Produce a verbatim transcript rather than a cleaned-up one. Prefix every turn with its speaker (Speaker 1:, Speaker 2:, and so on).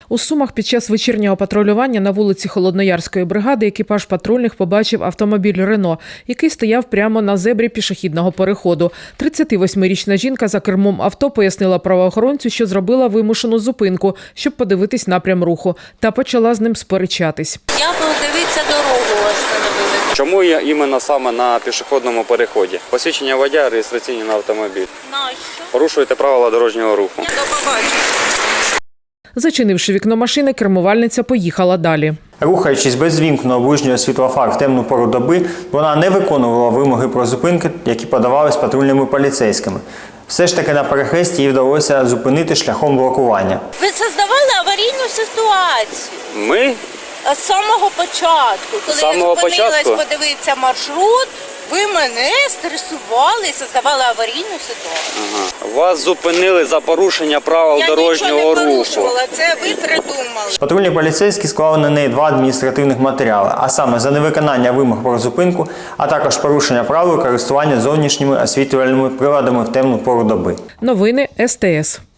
Speaker 1: У Сумах під час вечірнього патрулювання на вулиці Холодноярської бригади екіпаж патрульних побачив автомобіль «Рено», який стояв прямо на зебрі пішохідного переходу. тридцятивосьмирічна жінка за кермом авто пояснила правоохоронцю, що зробила вимушену зупинку, щоб подивитись напрям руху, та почала з ним сперечатись.
Speaker 2: Я подивитися дорогу остановили.
Speaker 3: Чому я іменно саме на пішохідному переході? Посвідчення водія, реєстраційні на автомобіль.
Speaker 2: Нащо?
Speaker 3: Порушуєте правила дорожнього руху.
Speaker 2: До побачення.
Speaker 1: Зачинивши вікно машини, кермувальниця поїхала далі.
Speaker 4: Рухаючись без вімкненого ближнього світлофар в темну пору доби, вона не виконувала вимоги про зупинки, які подавались патрульними поліцейськими. Все ж таки на перехресті їй вдалося зупинити шляхом блокування.
Speaker 2: Ви создавали аварійну ситуацію.
Speaker 3: Ми?
Speaker 2: З самого початку. Коли
Speaker 3: З самого
Speaker 2: я зупинилась
Speaker 3: початку?
Speaker 2: подивитися маршрут, ви мене стресували і создавали аварійну ситуацію.
Speaker 3: Ага. Вас зупинили за порушення правил
Speaker 2: Я
Speaker 3: дорожнього
Speaker 2: нічого не
Speaker 3: руху.
Speaker 2: порушувала, це ви придумали.
Speaker 4: Патрульні поліцейські склали на неї два адміністративних матеріали, а саме за невиконання вимог про зупинку, а також порушення правил користування зовнішніми освітлювальними приладами в темну пору доби.
Speaker 1: Новини ес те ес.